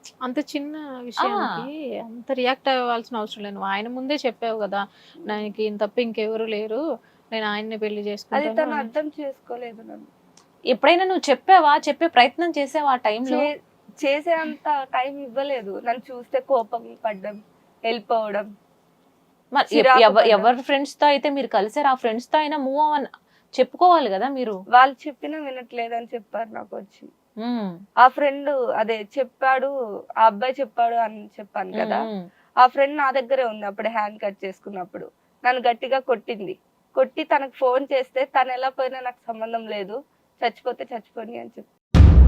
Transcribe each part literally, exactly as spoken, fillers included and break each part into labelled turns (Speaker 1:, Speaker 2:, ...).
Speaker 1: అంత చిన్న
Speaker 2: ఆ!
Speaker 1: విషయానికి అంత రియాక్ట్ అవ్వాల్సిన అవసరం లేదు. నువ్వు ఆయన ముందే చెప్పావు గదా! నాకు ఈయన తప్ప ఇంకెవరు లేరు. నేను ఆయన్నే పెళ్లి
Speaker 3: అది
Speaker 1: చేసుకుంటాను
Speaker 3: తను
Speaker 1: అని.
Speaker 3: అర్థం చేసుకోలేదు నన్ను.
Speaker 2: ఎప్పుడైనా నువ్వు చెప్పావా? చెప్పే ప్రయత్నం చేసావా ఆ టైంలో?
Speaker 3: చే చేసే అంత టైం ఇవ్వలేదు. నన్ను చూస్తే కోపం పడ్డం, ఎళ్ళిపోవడం,
Speaker 2: మరి ఎప్
Speaker 3: చిరాకు
Speaker 2: ఎవ
Speaker 3: పడ్డం.
Speaker 2: ఎవరి ఫ్రెండ్స్‌తో అయితే మీరు కలిసారో ఆ ఫ్రెండ్స్‌తో అయినా మూవ్ ఆన్ చెప్పుకోవాలి గదా మీరు.
Speaker 3: వాళ్ళు చెప్పినా వినట్లేదని చెప్పారు నాకొచ్చి.
Speaker 2: హ్మ్.
Speaker 3: ఆ ఫ్రెండ్ అదే చెప్పాడు, ఆ అబ్బాయి చెప్పాడు అని చెప్పాను
Speaker 2: హ్మ్.
Speaker 3: కదా!
Speaker 2: హ్మ్.
Speaker 3: ఆ ఫ్రెండ్ నా దగ్గరే ఉంది అప్పుడే హ్యాండ్ కట్ చేసుకున్నప్పుడు. నన్ను గట్టిగా కొట్టింది. కొట్టి తనకు ఫోన్ చేస్తే తనెలా పోయినా నాకు సంబంధం లేదు. చచ్చిపోతే చచ్చిపోని అని చెప్పి.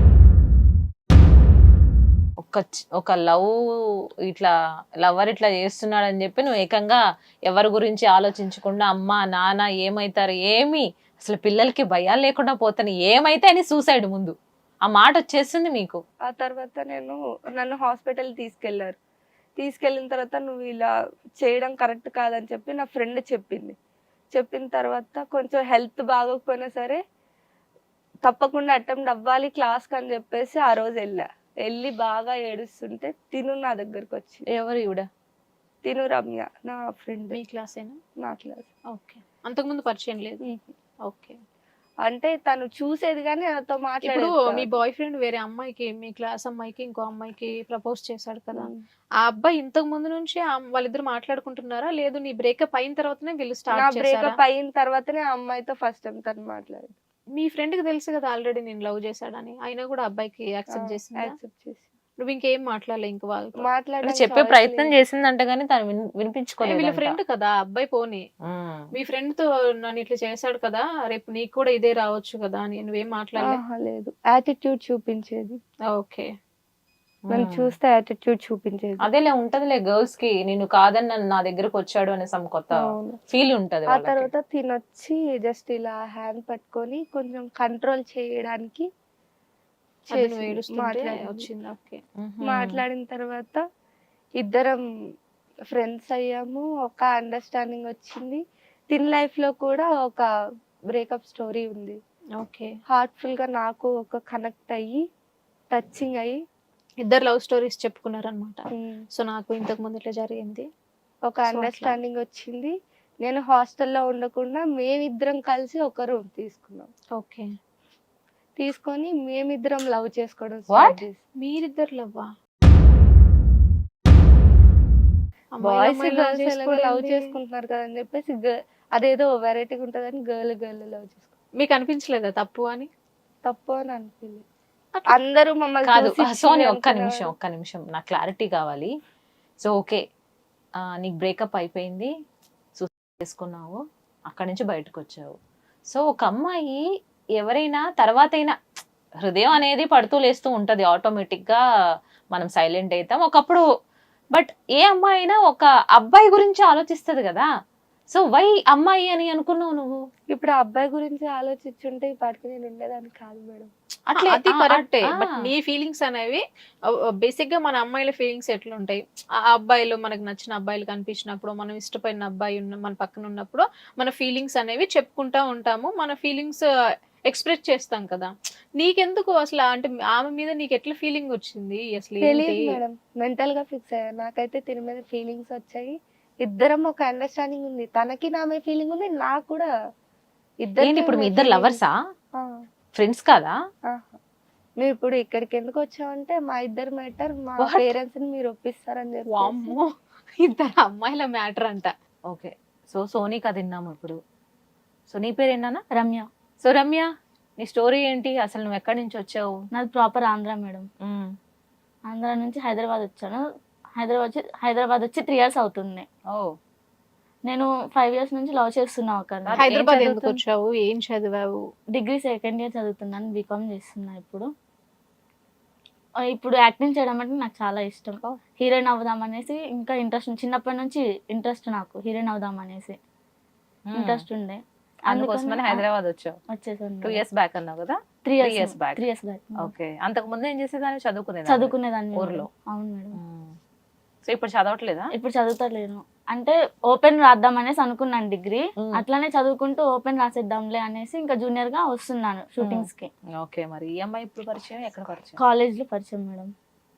Speaker 2: ఒక చ్ ఒక లవ్ ఇట్లా లవర్ ఇట్లా చేస్తున్నాడని చెప్పి నువ్వు ఏకంగా ఎవరి గురించి ఆలోచించకుండా అమ్మ, నాన్న ఏమైతారు ఏమి అసలు పిల్లలకి భయాలు లేకుండా పోతాను ఏమైతే అని సూసైడ్ ముందు. ఆ మాట వచ్చేసింది మీకు.
Speaker 3: ఆ తర్వాత నేను నన్ను హాస్పిటల్ తీసుకెళ్లారు. తీసుకెళ్ళిన తర్వాత నువ్వు ఇలా చేయడం కరెక్ట్ కాదని చెప్పి నా ఫ్రెండ్ చెప్పింది. చెప్పిన తర్వాత కొంచెం హెల్త్ బాగోకపోయినా సరే తప్పకుండా అటెంప్ట్ అవ్వాలి క్లాస్‌కని చెప్పేసి ఆ రోజు ఎళ్ళా. ఎళ్లి బాగా ఏడుస్తుంటే తిను నా దగ్గరకొచ్చింది.
Speaker 2: ఎవరు ఈవిడ?
Speaker 3: తిను రమ్య నా ఫ్రెండ్.
Speaker 1: మీ క్లాసేనా?
Speaker 3: నా క్లాస్.
Speaker 1: ఓకే. అంతకుముందు పరిచయం లేదు.
Speaker 3: హుహు.
Speaker 1: ఓకే.
Speaker 3: అంటే తను చూసేది గానీ నాతో
Speaker 1: ఇప్పుడు
Speaker 3: మాట్లాడేది
Speaker 1: మీ
Speaker 3: కాదు.
Speaker 1: బాయ్ ఫ్రెండ్ వేరే అమ్మాయికి మీ క్లాస్ అమ్మాయికి ఇంకో అమ్మాయికి ప్రపోజ్ చేశాడు కదా!
Speaker 3: హ్మ్.
Speaker 1: ఆ అబ్బాయి ఇంతకు ముందు నుంచి ఆహ్, వాళ్ళిద్దరు మాట్లాడుకుంటున్నారా? లేదు నీ బ్రేకప్ అయిన తర్వాతనే వీళ్ళు
Speaker 3: నా
Speaker 1: స్టార్ట్ చేశారా?
Speaker 3: బ్రేకప్ అయిన తర్వాతనే ఆ అమ్మాయితో ఫస్ట్ టైమ్ తను మాట్లాడింది.
Speaker 1: మీ ఫ్రెండ్‌కి తెలుసు కదా ఆల్రెడీ నేను లవ్ చేశాడని. అయినా కూడా అబ్బాయికి
Speaker 3: ఆ!
Speaker 1: యాక్సెప్ట్ చేసిందా?
Speaker 3: యాక్సెప్ట్ చేసి.
Speaker 1: నువ్వు ఇంకేం మాట్లాడలే ఇంక వాళ్ళతో.
Speaker 2: అంటే
Speaker 3: మాట్లాడడానికి
Speaker 2: చెప్పే
Speaker 3: చాయిస్
Speaker 2: ప్రయత్నం
Speaker 3: లేదు.
Speaker 2: చేసిందంట గానీ తను విన్
Speaker 1: ఏ వీళ్ళ
Speaker 2: వినిపించుకోలేదంట.
Speaker 1: ఫ్రెండ్ కదా! ఆ అబ్బాయి పోనీ.
Speaker 2: హ్మ్.
Speaker 1: మీ ఫ్రెండ్‌తో నన్ను ఇట్లా చేశాడు కదా! రేపు నీకు కూడా ఇదే రావచ్చు కదా! అని నువ్వేం మాట్లాడలే?
Speaker 3: ఆహా! లేదు. యాటిట్యూడ్ చూపించేది.
Speaker 1: ఓకే.
Speaker 3: నన్ను
Speaker 2: హ్మ్.
Speaker 3: చూస్తే యాటిట్యూడ్ చూపించేది.
Speaker 2: అదేలే ఉంటదిలే గర్ల్స్‌కి నేను కాదని నన్ను నా దగ్గరకొచ్చాడు అనే సమ్ కొత్త
Speaker 3: అవును.
Speaker 2: ఫీల్ ఉంటది
Speaker 3: ఆ
Speaker 2: వాళ్ళకి.
Speaker 3: తర్వాత తినొచ్చి జస్ట్ ఇలా హ్యాండ్ పట్టుకొని కొంచెం కంట్రోల్ చేయడానికి
Speaker 1: అది నువ్వు
Speaker 3: చేసింది.
Speaker 1: ఏడుస్తుంటే
Speaker 3: మాట్లాడింది.
Speaker 1: వచ్చింది. ఓకే.
Speaker 2: హుహు.
Speaker 3: మాట్లాడిన తర్వాత ఇద్దరం ఫ్రెండ్స్ అయ్యాము. ఒక అండర్‌స్టాండింగ్ వచ్చింది. తిన్ లైఫ్‌లో కూడా ఒక బ్రేకప్ స్టోరీ ఉంది.
Speaker 1: ఓకే.
Speaker 3: హార్ట్‌ఫుల్‌గా నాకు ఒక కనెక్ట్ అయ్యి, టచింగ్ అయ్యి
Speaker 1: ఇద్దరు లవ్ స్టోరీస్ చెప్పుకున్నారనమాట.
Speaker 3: హ్మ్.
Speaker 1: సో, నాకు ఇంతకు ముందు ఇట్లా జరిగింది.
Speaker 3: ఒక
Speaker 1: సో, అట్లా.
Speaker 3: అండర్‌స్టాండింగ్ వచ్చింది. నేను హాస్టల్‌లో ఉండకుండా మేమిద్దరం కలిసి ఒక రూమ్ తీసుకున్నాం.
Speaker 1: ఓకే.
Speaker 3: తీసుకొని మేమిద్దరం లవ్ చేసుకోవడం
Speaker 2: వాట్?
Speaker 3: స్టార్ట్ చేసాం.
Speaker 1: మీరిద్దరు లవ్వా? అమ్మాయిలు
Speaker 3: బాయ్స్,
Speaker 1: అమ్మాయిలు లవ్
Speaker 3: గర్ల్స్ ఎలాగో లవ్
Speaker 1: చేసుకోవడేంటి?
Speaker 3: చేసుకుంటున్నారు కదా అని చెప్పేసి గ అదేదో వెరైటీగా ఉంటదని గర్ల్ గర్ల్ లవ్ చేసుకున్నాం.
Speaker 1: మీకు అనిపించలేదా తప్పు అని?
Speaker 3: తప్పు అని అనిపియలేదు.
Speaker 1: అట్లా
Speaker 3: అందరూ మమ్మల్ని
Speaker 2: కాదు.
Speaker 3: చూసి
Speaker 2: ఆహ్,
Speaker 3: ఛీ
Speaker 2: సోని ఒక్క నిమిషం,
Speaker 3: అనుకునేవారు.
Speaker 2: ఒక్క నిమిషం. నాకు క్లారిటీ కావాలి. So, okay. ఆహ్, నీకు బ్రేకప్ అయిపోయింది. సూసైడ్ చేసుకున్నావు. అక్కడి నుంచి బయటకొచ్చావు. సో, ఒక అమ్మాయి ఎవరైనా తర్వాతైనా హృదయం అనేది పడుతూ లేస్తూ ఉంటది. ఆటోమేటిక్‌గా మనం సైలెంట్ అయితాం. ఒకప్పుడు బట్ ఏ అమ్మాయి అయినా ఒక అబ్బాయి గురించి ఆలోచిస్తది గదా! సో, వై అమ్మాయి అని అనుకున్నావు నువ్వు?
Speaker 3: ఇప్పుడు ఆ అబ్బాయి గురించి ఆలోచించుంటే ఈ పాటికి నేను ఉండేదాన్ని కాదు మేడం.
Speaker 2: అట్లే
Speaker 1: అది
Speaker 2: ఆ!
Speaker 1: కరెక్టే.
Speaker 2: ఆ!
Speaker 1: బట్ నీ ఫీలింగ్స్ అనేవి ఆహ్, ఆహ్, బేసిక్‌గా మన అమ్మాయిల ఫీలింగ్స్ ఎట్లుంటాయి? ఆ అబ్బాయిలు మనకు నచ్చిన అబ్బాయిలు కనిపించినప్పుడు, మనం ఇష్టపడిన అబ్బాయి ఉన్న మన పక్కన ఉన్నప్పుడు, మన ఫీలింగ్స్ అనేవి చెప్పుకుంటా ఉంటాము. మన ఫీలింగ్స్ ఎక్స్‌ప్రెస్ చేస్తాం కదా! నీకెందుకు అసల అంటే ఆమె మీద నీకు ఎట్లా ఫీలింగ్ వచ్చింది? అసలు ఏంటి?
Speaker 3: తెలీదు మేడం. మెంటల్‌గా ఫిక్స్ అయ్యా. నాకైతే తిన మీద ఫీలింగ్స్ వచ్చాయి. ఇద్దరం ఒక అండర్‌స్టాండింగ్ ఉంది. తనకి నా మీద ఫీలింగ్ ఉంది. నాకు కూడా
Speaker 2: ఏంటి
Speaker 3: ఇద్దరికీ
Speaker 2: ఇప్పుడు మీ
Speaker 3: మీ
Speaker 2: ఇద్దరు
Speaker 3: ఫీలింగ్.
Speaker 2: లవర్సా?
Speaker 3: ఆ!
Speaker 2: ఫ్రెండ్స్ కాదా?
Speaker 3: ఆహా! మేమిప్పుడు ఇక్కడికెందుకు వచ్చామంటే మా ఇద్దరి మ్యాటర్ మా
Speaker 2: వాట్?
Speaker 3: పేరెంట్స్‌ని మీరు ఒప్పిస్తారని చెప్పేసి.
Speaker 1: వామ్మో! ఇద్దరు అమ్మాయిల మ్యాటర్ అంట.
Speaker 2: ఓకే. సో, సోనీ కథ విన్నాము ఇప్పుడు. సో, నీ పేరేంటన్నా?
Speaker 4: రమ్య.
Speaker 2: సో, రమ్య నీ స్టోరీ ఏంటి? అసలు నువ్వు ఎక్కడి నుంచి వచ్చావు?
Speaker 4: నాది ప్రాపర్ ఆంధ్ర మేడం.
Speaker 2: హ్మ్.
Speaker 4: ఆంధ్ర నుంచి హైదరాబాద్ వచ్చాను. హైదరాబాద్ వచ్చి హైదరాబాద్ వచ్చి త్రీ ఇయర్స్ అవుతుంది.
Speaker 2: ఓహ్!
Speaker 4: నేను ఫైవ్ ఇయర్స్ నుంచి లవ్ చేస్తున్నా ఒకరిని.
Speaker 2: ఏం
Speaker 1: హైదరాబాద్ ఎందుకు
Speaker 2: చదువుతున్
Speaker 1: వచ్చావు? ఏం చదివావు?
Speaker 4: డిగ్రీ సెకండ్ ఇయర్ చదువుతున్నాను. బీకామ్ చేస్తున్నా ఇప్పుడు. ఆహ్, ఇప్పుడు యాక్టింగ్ చేయడం అంటే నాకు చాలా ఇష్టం.
Speaker 1: ఓహ్!
Speaker 4: హీరోయిన్ అవుదాం అనేసి ఇంకా ఇంట్రెస్ట్ చిన్నప్పటి నుంచి ఇంట్రెస్ట్ నాకు హీరోయిన్ అవుదాం అనేసి
Speaker 2: హ్మ్.
Speaker 4: ఇంట్రెస్ట్ ఉండే. అందుకని
Speaker 2: అందుకోసమని
Speaker 4: ఆహ్,
Speaker 2: హైదరాబాద్ వచ్చావు.
Speaker 4: వచ్చేసాను
Speaker 2: టూ
Speaker 4: మేడం.
Speaker 2: ఇయర్స్ బ్యాక్ అన్నావు కదా?
Speaker 4: Three
Speaker 2: three
Speaker 4: years
Speaker 2: years back.
Speaker 4: Three years back.
Speaker 2: Okay. అంతకు ముందు ఏం చేసేదానివి? చదువుకునేదానివి
Speaker 4: చదువుకునేదాన్ని
Speaker 2: ఊర్లో.
Speaker 4: మేడం. అవును మేడం.
Speaker 2: హ్మ్. సో, ఇప్పుడు చదవట్లేదా?
Speaker 4: ఇప్పుడు చదువుతలేను. అంటే ఓపెన్ రాద్దాం అనేసి అనుకున్నాను డిగ్రీ.
Speaker 2: హ్మ్.
Speaker 4: అట్లనే చదువుకుంటూ ఓపెన్ రాసేద్దాంలే అనేసి ఇంకా జూనియర్ గా వస్తున్నాను
Speaker 2: హ్మ్.
Speaker 4: షూటింగ్స్ కి.
Speaker 2: ఓకే. మరి ఈ అమ్మాయి ఎప్పుడు పరిచయం? ఎక్కడ పరిచయం?
Speaker 4: కాలేజ్ లో పరిచయం మేడం.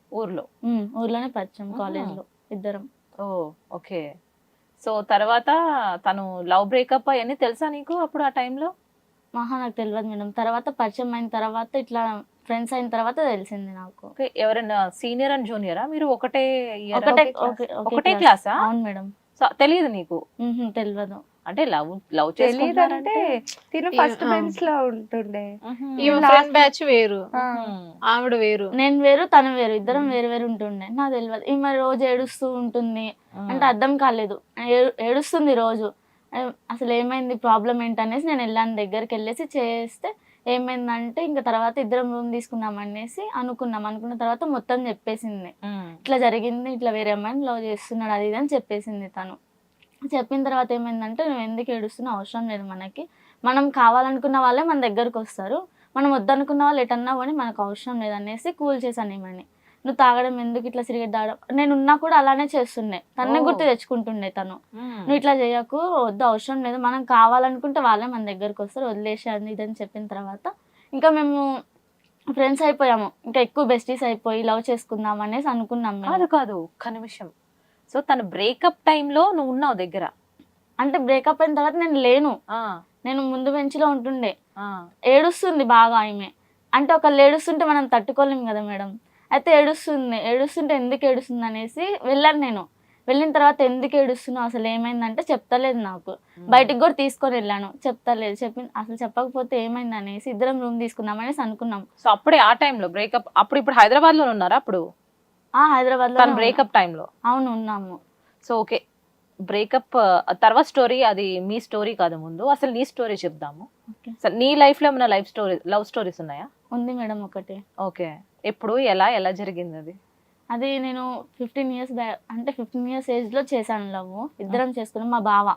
Speaker 2: ఊర్లో.
Speaker 4: ఉమ్, ఊర్లోనే పరిచయం
Speaker 2: ఆహా.
Speaker 4: కాలేజ్ లో ఇద్దరం.
Speaker 2: ఓ ఓకే. సో తర్వాత తను లవ్ బ్రేకప్ అవన్నీ తెలుసా నీకు అప్పుడు ఆ టైంలో?
Speaker 4: మహా నాకు తెలియదు మేడం. తర్వాత పరిచయం అయిన తర్వాత ఇట్లా ఫ్రెండ్స్ అయిన తర్వాత తెలిసింది నాకు.
Speaker 2: ఓకే. ఎవరైనా సీనియర్ అండ్ జూనియరా మీరు? ఒకటే year ఆ?
Speaker 4: ఒకటే
Speaker 2: ఒకే class?
Speaker 4: ఓకే
Speaker 2: ఒకటే
Speaker 4: క్లాస్.
Speaker 2: క్లాసా?
Speaker 4: అవును మేడం.
Speaker 2: సో తెలియదు నీకు
Speaker 4: ఉహుం, తెలియదు.
Speaker 2: అంటే లవ్ లవ్
Speaker 3: తెలియదంటే
Speaker 2: చేసుకుంటారంటే
Speaker 3: తిను
Speaker 1: ఈ-
Speaker 3: ఫస్ట్
Speaker 1: ఆ.
Speaker 3: బెంచ్ లో ఉంటుండే.
Speaker 1: ఈ
Speaker 3: last-
Speaker 1: ఫ్రెండ్ బ్యాచ్ వేరు,
Speaker 3: ఆ,
Speaker 1: ఆవిడ వేరు.
Speaker 4: నేను వేరు తను వేరు, ఇద్దరం వేరు వేరు ఉంటుండే. నాకు తెలియదు. ఈమె రోజు ఏడుస్తూ ఉంటుంది అంటే అర్థం కాలేదు. ఏ- ఏడుస్తుంది రోజు. ఏ, అసలు ఏమైంది, ప్రాబ్లం ఏంటనేసి నేను వెళ్ళాను, దగ్గరికి వెళ్ళేసి చేస్తే ఏమైందంటే ఇంకా తర్వాత ఇద్దరం రూమ్ తీసుకుందాం అనేసి అనుకున్నాం. అనుకున్న తర్వాత మొత్తం చెప్పేసింది. ఇట్లా జరిగింది, ఇట్లా వేరే అమ్మాయిని లవ్ చేస్తున్నాడు అది ఇది అని చెప్పేసింది తను. చెప్పిన తర్వాత ఏమైందంటే నువ్వు ఎందుకు ఏడుస్తున్నావు, అవసరం లేదు మనకి, మనం కావాలనుకున్న వాళ్ళే మన దగ్గరకు వస్తారు, మనం వద్దనుకున్న వాళ్ళు ఎటన్నా పోనీ మనకు అవసరం లేదు అనేసి కూల్ చేశాను ఏమని. నువ్వు తాగడం ఎందుకు, ఇట్లా సిగరెట్ తాగడం, నేను ఉన్నా కూడా అలానే చేస్తుండే, తన్నే
Speaker 2: ఓ.
Speaker 4: గుర్తు తెచ్చుకుంటుండే తను. నువ్వు ఇట్లా చేయకు, వద్దు, అవసరం లేదు, మనం కావాలనుకుంటే వాళ్ళే మన దగ్గరకు వస్తారు, వదిలేసి అది ఇది అని చెప్పిన తర్వాత ఇంకా మేము ఫ్రెండ్స్ అయిపోయాము, ఇంకా ఎక్కువ బెస్టీస్ అయిపోయి లవ్ చేసుకుందాం అనేసి అనుకున్నాం మేము.
Speaker 2: కాదు కాదు ఒక్క నిమిషం. సో తన బ్రేకప్ టైంలో నువ్వు ఉన్నావు దగ్గర?
Speaker 4: అంటే బ్రేకప్ అయిన తర్వాత నేను లేను,
Speaker 2: ఆ,
Speaker 4: నేను ముందు బెంచ్లో ఉంటుండే.
Speaker 2: ఆ.
Speaker 4: ఏడుస్తుంది బాగా ఆమె. అంటే ఒకళ్ళు ఏడుస్తుంటే మనం తట్టుకోలేం కదా మేడం. అయితే ఏడుస్తుంది, ఏడుస్తుంటే ఎందుకు ఏడుస్తుంది అనేసి వెళ్ళాను నేను. వెళ్ళిన తర్వాత ఎందుకు ఏడుస్తున్నావు, అసలు ఏమైందంటే చెప్తలేదు నాకు. బయటికి కూడా తీసుకొని వెళ్ళాను, చెప్తలేదు. చెప్పి అసలు చెప్పకపోతే ఏమైంది అనేసి ఇద్దరం రూమ్ తీసుకుందాం అనేసి అనుకున్నాం.
Speaker 2: సో అప్పుడే ఆ టైంలో బ్రేకప్. అప్పుడు ఇప్పుడు హైదరాబాద్ లో ఉన్నారా అప్పుడు
Speaker 4: ఆ హైదరాబాద్ లో
Speaker 2: తన బ్రేకప్ టైంలో?
Speaker 4: అవును ఉన్నాము.
Speaker 2: సో ఓకే, బ్రేకప్ తర్వాత స్టోరీ అది మీ స్టోరీ కాదు, ముందు అసలు నీ స్టోరీ చెప్దాము.
Speaker 4: ఓకే.
Speaker 2: సో నీ లైఫ్ లో ఏమైనా లైఫ్ స్టోరీ లవ్ స్టోరీస్ ఉన్నాయా?
Speaker 4: ఉంది మేడం ఒకటి.
Speaker 2: ఓకే. ఎప్పుడు, ఎలా ఎలా జరిగింది అది?
Speaker 4: అది నేను ఫిఫ్టీన్ ఇయర్స్ బ్యా అంటే ఫిఫ్టీన్ ఇయర్స్ ఏజ్లో చేశాను లవ్. ఇద్దరం చేసుకున్నాం. మా బావ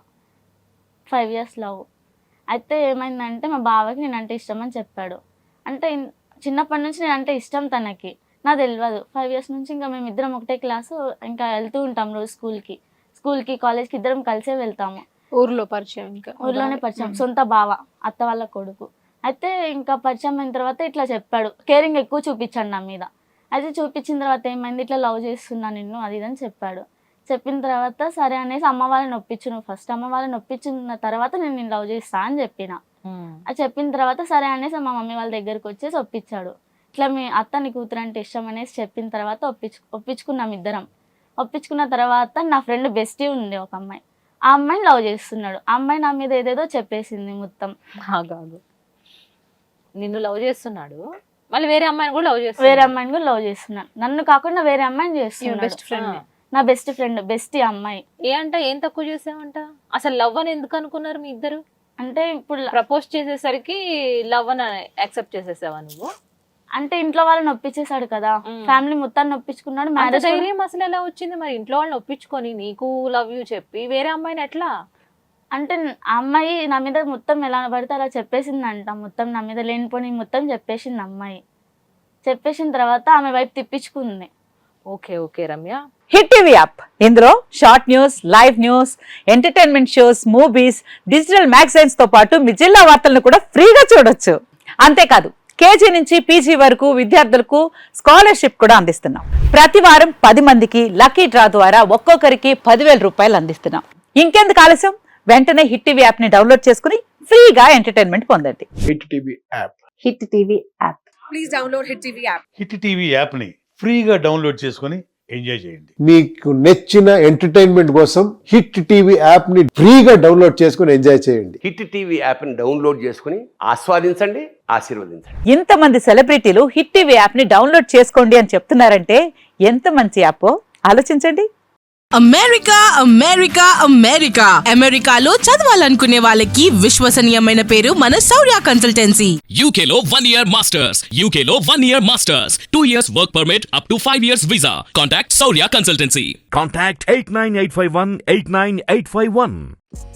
Speaker 4: ఫైవ్ ఇయర్స్ లవ్. అయితే ఏమైందంటే మా బావకి నేను అంటే ఇష్టం అని చెప్పాడు. అంటే ఇన్- చిన్నప్పటి నుంచి నేను అంటే ఇష్టం తనకి, నాకు తెలియదు. ఫైవ్ ఇయర్స్ నుంచి ఇంకా మేము ఇద్దరం ఒకటే క్లాసు, ఇంకా వెళ్తూ ఉంటాం రోజు స్కూల్కి స్కూల్కి కాలేజ్కి ఇద్దరం కలిసే వెళ్తాము.
Speaker 1: ఊర్లో పరిచయం, ఇంకా
Speaker 4: ఊర్లోనే పరిచయం, సొంత బావ, అత్త వాళ్ళ కొడుకు. అయితే ఇంకా పరిచయం అయిన తర్వాత ఇట్లా చెప్పాడు, కేరింగ్ ఎక్కువ చూపించాడు నా మీద. అయితే చూపించిన తర్వాత ఏమైంది, ఇట్లా లవ్ చేస్తున్నా నిన్ను అది ఇది అని చెప్పాడు. చెప్పిన తర్వాత సరే అనేసి అమ్మ వాళ్ళని ఒప్పించు, నువ్వు ఫస్ట్ అమ్మ వాళ్ళని ఒప్పించిన తర్వాత నేను నేను లవ్ చేస్తా అని చెప్పిన. అది చెప్పిన తర్వాత సరే అనేసి మా మమ్మీ వాళ్ళ దగ్గరికి వచ్చేసి ఒప్పించాడు. ఇట్లా మీ అత్త నీ కూతురు అంటే ఇష్టం అనేసి చెప్పిన తర్వాత ఒప్పించు ఒప్పించుకున్నాం ఇద్దరం. ఒప్పించుకున్న తర్వాత నా ఫ్రెండ్ బెస్టీ ఉంది ఒక అమ్మాయి, ఆ అమ్మాయిని లవ్ చేస్తున్నాడు. ఆ అమ్మాయి నా మీద ఏదేదో చెప్పేసింది మొత్తం.
Speaker 2: కాదు, నిన్ను లవ్ చేస్తున్నాడు, మళ్ళీ వేరే అమ్మాయిని కూడా లవ్
Speaker 4: వేరే
Speaker 2: చేస్తున్నాడు.
Speaker 4: అమ్మాయిని కూడా లవ్ చేస్తున్నాడు, నన్ను కాకుండా వేరే అమ్మాయిని చేస్తున్నాడు.
Speaker 1: Best friend.
Speaker 4: నా బెస్ట్ ఫ్రెండ్ బెస్టీ అమ్మాయి.
Speaker 2: ఏ అంట, ఏం తక్కువ చేసావంట? అసలు లవ్ అని ఎందుకు అనుకున్నారు మీ ఇద్దరు?
Speaker 4: అంటే ఇప్పుడు
Speaker 2: ప్రపోజ్ చేసేసరికి లవ్ అని యాక్సెప్ట్ చేసేసావా నువ్వు?
Speaker 4: అంటే ఇంట్లో వాళ్ళని ఒప్పించేశాడు కదా,
Speaker 2: మ్మ్.
Speaker 4: ఫ్యామిలీ మొత్తాన్ని ఒప్పించుకున్నాడు.
Speaker 2: అంత
Speaker 4: మ్యారేజ్
Speaker 2: ధైర్యం అసలు ఎలా వచ్చింది మరి ఇంట్లో వాళ్ళని ఒప్పించుకొని నీకు లవ్ యూ చెప్పి వేరే అమ్మాయిని ఎట్లా?
Speaker 4: అంటే ఆ అమ్మాయి నా మీద మొత్తం ఎలా పడితే అలా చెప్పేసిందంట, మొత్తం నా మీద లేనిపోని మొత్తం చెప్పేసింది అమ్మాయి. చెప్పేసిన తర్వాత ఆమె వైపు తిప్పించుకుంది.
Speaker 2: Okay okay Ramya.
Speaker 5: Hit TV app, ఇందులో short news, live news, entertainment shows, movies, digital magazines తో పాటు మీ జిల్లా వార్తలను కూడా ఫ్రీగా చూడొచ్చు. అంతేకాదు, కేజీ నుంచి పీజీ వరకు విద్యార్థులకు స్కాలర్షిప్ కూడా అందిస్తున్నాం. ప్రతి వారం పది మందికి లక్కీ డ్రా ద్వారా ఒక్కొక్కరికి పదివేల రూపాయలు అందిస్తున్నాం. ఇంకెందుకు ఆలస్యం, వెంటనే హిట్ టీవీ యాప్ ని డౌన్లోడ్ చేసుకుని ఫ్రీగా ఎంటర్టైన్మెంట్ పొందండి.
Speaker 6: Hit TV app.
Speaker 5: Hit TV app.
Speaker 6: Hit TV యాప్ని ఫ్రీగా డౌన్లోడ్ చేసుకొని ఎంజాయ్ చేయండి.
Speaker 7: మీకు నచ్చిన ఎంటర్టైన్మెంట్ కోసం హిట్ టీవీ యాప్ ని ఫ్రీగా డౌన్లోడ్ చేసుకుని ఎంజాయ్ చేయండి.
Speaker 8: హిట్ టీవీ యాప్ని డౌన్లోడ్ చేసుకుని ఆస్వాదించండి, ఆశీర్వదించండి.
Speaker 5: ఇంతమంది సెలబ్రిటీలు హిట్ టీవీ యాప్ ని డౌన్లోడ్ చేసుకోండి అని చెప్తున్నారంటే ఎంత మంచి యాప్ ఆలోచించండి.
Speaker 9: అమెరికా అమెరికా అమెరికా అమెరికాలో చదవాలనుకునే వాళ్ళకి విశ్వసనీయమైన పేరు మన శౌర్య కన్సల్టెన్సీ.
Speaker 10: U K లో one year masters. U K లో one year masters. two years work permit up to five years visa. Contact Saurya Consultancy.
Speaker 11: Contact eight nine eight five one eight nine eight five one.